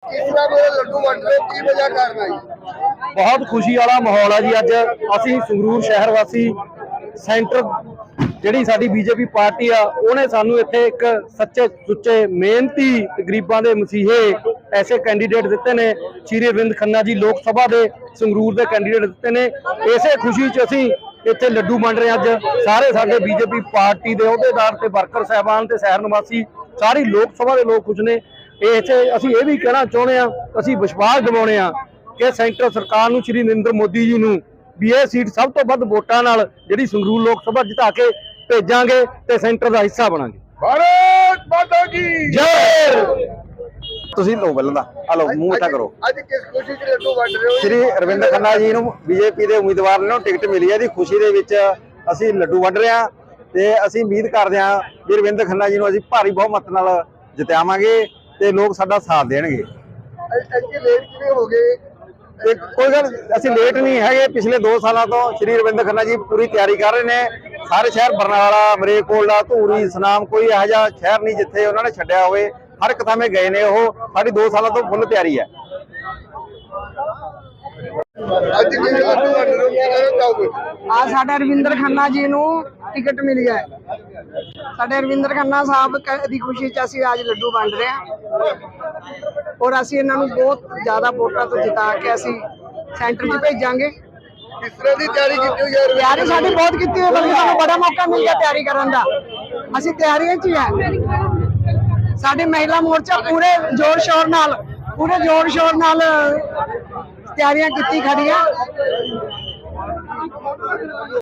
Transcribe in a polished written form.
किस तरह मेरे लड्डू वंड रहे हो, की वजह करना जी? बहुत खुशी वाला माहौल है जी। अज असी संगरूर शहर वासी सेंटर ਜਿਹੜੀ ਸਾਡੀ ਬੀਜੇਪੀ ਪਾਰਟੀ ਆ ਉਹਨੇ ਸਾਨੂੰ ਇੱਥੇ ਇੱਕ ਸੱਚੇ ਸੁੱਚੇ ਮਿਹਨਤੀ ਗਰੀਬਾਂ ਦੇ ਮਸੀਹੇ ਐਸੇ ਕੈਂਡੀਡੇਟ ਦਿੱਤੇ ਨੇ। ਸ਼੍ਰੀ ਅਰਵਿੰਦ ਖੰਨਾ ਜੀ ਲੋਕ ਸਭਾ ਦੇ ਸੰਗਰੂਰ ਦੇ ਕੈਂਡੀਡੇਟ ਦਿੱਤੇ ਨੇ। ਇਸੇ ਖੁਸ਼ੀ 'ਚ ਅਸੀਂ ਇੱਥੇ ਲੱਡੂ ਵੰਡ ਰਹੇ। ਅੱਜ ਸਾਰੇ ਸਾਡੇ ਬੀਜੇਪੀ ਪਾਰਟੀ ਦੇ ਅਹੁਦੇਦਾਰ ਤੇ ਵਰਕਰ ਸਾਹਿਬਾਨ ਤੇ ਸ਼ਹਿਰ ਨਿਵਾਸੀ ਸਾਰੀ ਲੋਕ ਸਭਾ ਦੇ ਲੋਕ ਖੁਸ਼ ਨੇ। ਅਸੀਂ ਇਹ ਵੀ ਕਹਿਣਾ ਚਾਹੁੰਦੇ ਆ, ਅਸੀਂ ਵਿਸ਼ਵਾਸ ਦਿਵਾਉਂਦੇ ਆ ਕਿ ਸੈਂਟਰ ਸਰਕਾਰ ਨੂੰ ਸ਼੍ਰੀ ਨਰਿੰਦਰ ਮੋਦੀ ਜੀ ਨੂੰ ਵੀ ਇਹ ਸੀਟ ਸਭ ਤੋਂ ਵੱਧ ਵੋਟਾਂ ਨਾਲ ਜਿਹੜੀ ਸੰਗਰੂਰ ਲੋਕ ਸਭਾ ਜਿਤਾ ਕੇ ਭੇਜਾਂਗੇ ਤੇ ਸੈਂਟਰ ਦਾ ਹਿੱਸਾ ਬਣਾਂਗੇ। भारत माता की ਜੈ। ਤੁਸੀਂ ਲੋ ਬੱਲਦਾ ਆ ਲੋ ਮੂੰਹ ਮਿੱਠਾ ਕਰੋ। ਅੱਜ ਕਿਸ ਖੁਸ਼ੀ 'ਚ ਲੱਡੂ ਵੰਡ ਰਹੇ ਹੋ? ਸ਼੍ਰੀ ਅਰਵਿੰਦ ਖੰਨਾ ਜੀ ਨੂੰ ਬੀਜੇਪੀ ਦੇ ਉਮੀਦਵਾਰ ਨੂੰ ਟਿਕਟ ਮਿਲੀ ਹੈ ਦੀ ਖੁਸ਼ੀ ਦੇ ਵਿੱਚ ਅਸੀਂ ਲੱਡੂ ਵੰਡ ਰਹੇ ਹਾਂ ਤੇ ਅਸੀਂ ਉਮੀਦ ਕਰਦੇ ਹਾਂ ਕਿ ਅਰਵਿੰਦ ਖੰਨਾ ਜੀ ਨੂੰ ਅਸੀਂ ਭਾਰੀ ਬਹੁਮਤ ਨਾਲ ਜਿਤਾਵਾਂਗੇ ਤੇ ਲੋਕ ਸਾਡਾ ਸਾਥ ਦੇਣਗੇ। ਅੱਜ ਲੇਟ ਕਿਵੇਂ ਹੋ ਗਏ? ਕੋਈ ਗੱਲ ਅਸੀਂ ਲੇਟ ਨਹੀਂ ਹੈਗੇ। ਪਿਛਲੇ 2 ਸਾਲਾਂ ਤੋਂ ਸ਼੍ਰੀ ਅਰਵਿੰਦ ਖੰਨਾ ਜੀ ਪੂਰੀ ਤਿਆਰੀ ਕਰ ਰਹੇ ਨੇ। ਸਾਰੇ ਸ਼ਹਿਰ ਬਰਨਾਲਾ, ਮਰੇਕੋਟਲਾ, ਧੂਰੀ, ਸੁਨਾਮ ਕੋਈ ਇਹੋ ਜਿਹਾ ਸ਼ਹਿਰ ਨਹੀਂ ਜਿੱਥੇ ਉਹਨਾਂ ਨੇ ਛੱਡਿਆ ਹੋਵੇ। ਹਰ ਇੱਕ ਥਾਂ ਗਏ ਨੇ ਉਹ। ਸਾਡੀ 2 ਸਾਲਾਂ ਤੋਂ ਫੁੱਲ ਤਿਆਰੀ ਹੈ। ਅੱਜ ਕਿਸ ਲੱਡੂ ਵੰਡ ਰਹੇ ਹੋ, ਕੀ ਕਹਿਣਾ ਚਾਹੋਗੇ? आज साडे रविंदर खन्ना जी नूं टिकट मिल गया है। साडे रविंदर खन्ना साहब दी खुशी च असीं आज लड्डू वंड रहे हैं और असीं इन्हां नूं बहुत ज़्यादा वोटां तो जिता के असीं सेंटर च भेजांगे। किस तरह की तैयारी की हुई है? तैयारी साडी बहुत कीती है, बल्कि सानूं बड़ा मौका मिल गया तैयारी करन दा। असीं तैयारियां च ही है। साडी महिला मोर्चा पूरे जोर शोर नाल तैयारियां कीती खड़ी है।